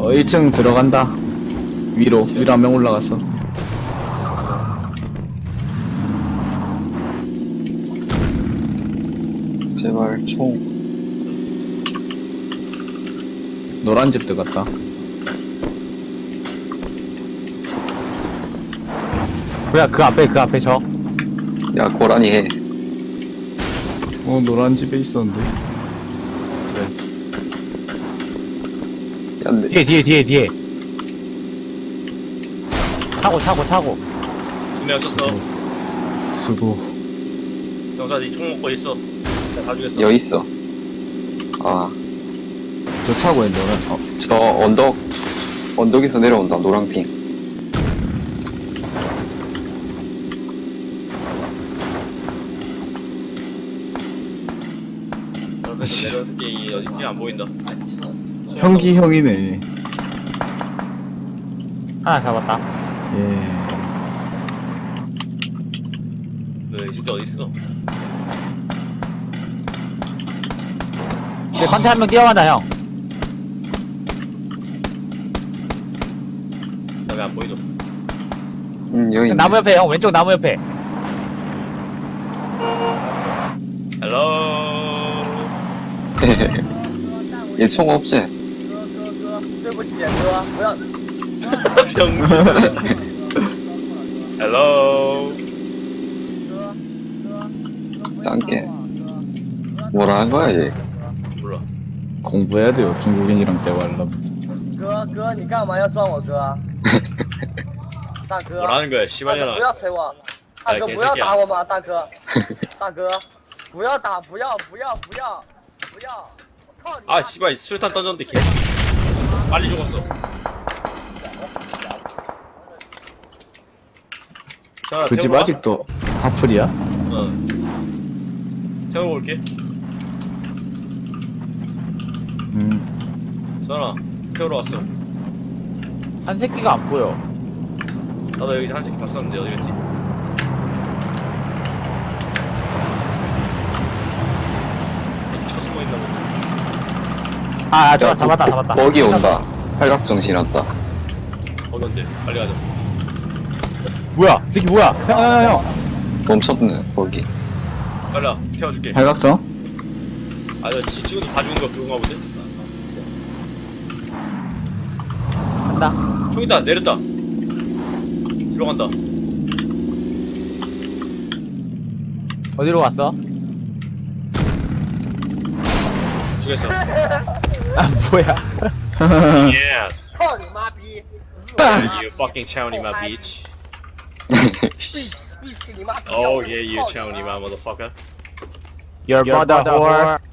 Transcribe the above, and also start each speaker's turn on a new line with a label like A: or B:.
A: 1층 들어간다. 위로 한 명 올라갔어.
B: 제발 총.
A: 노란 집 들어갔다.
C: 뭐야 그 앞에 저.
B: 야 고라니 해.
A: 노란 집에 있었는데.
B: 야, 내,
C: 뒤에. 차고.
D: 두명 썼어.
A: 수고.
D: 경사 니총 먹고 있어. 내가 다 죽였어.
B: 여기 있어. 아,
A: 저 차고에 노란.
B: 저 언덕에서 내려온다. 노랑핑.
D: 내려올 게 어딘지 안 보인다.
A: 형기 형이네.
C: 하나 잡았다.
A: 예.
D: 이 새끼 어디 있어?
C: 내 컨테 한 명 뛰어간다 형.
D: 나 왜 안 보이노?
B: 여기 있네.
C: 나무 옆에 형 왼쪽 나무 옆에.
D: 헬로.
B: 얘 총 없지?
E: 对不起，哥，不要。
D: 병신. 헬로.
B: 짱게. 뭐라 한 거야 얘?
D: 몰라.
A: 공부해야 돼요. 중국인이랑 대화하려면.
E: 哥，你干嘛要撞我哥？大哥，
D: 뭐라는 거야,
E: 大哥
D: 씨발년아.
E: 不要捶我，大哥不要打我嘛，大哥，大哥，不要打，不要，我操你妈！
D: 아, 씨발, 수류탄 던졌는데 개. 빨리 죽었어. 자,
A: 그 집
D: 태워봐.
A: 아직도 하플이야?
D: 태우고 올게. 전화, 태우러 왔어.
C: 한 새끼가 안 보여.
D: 나도 여기 한 새끼 봤었는데 어디 갔지? 어디 쳐 숨어 있나 보네.
C: 아, 저 잡았다.
B: 거기 온다. 팔각정 지났다.
D: 거기 언제? 빨리 가자.
C: 뭐야? 이 새끼 뭐야? 형.
B: 멈췄네 거기.
D: 빨리 와, 태워줄게.
A: 팔각정?
D: 아, 저 지치고 봐주는 거 그건가 보네.
C: 간다.
D: 총 있다, 내렸다. 뒤로 간다.
C: 어디로 갔어?
D: 죽였어.
C: 아 뭐야?
D: Yes.
E: 操你妈逼！
D: You fucking chowny my bitch.
E: 闭起你妈逼！
D: Oh yeah, you chowny my motherfucker.
C: Your mother whore.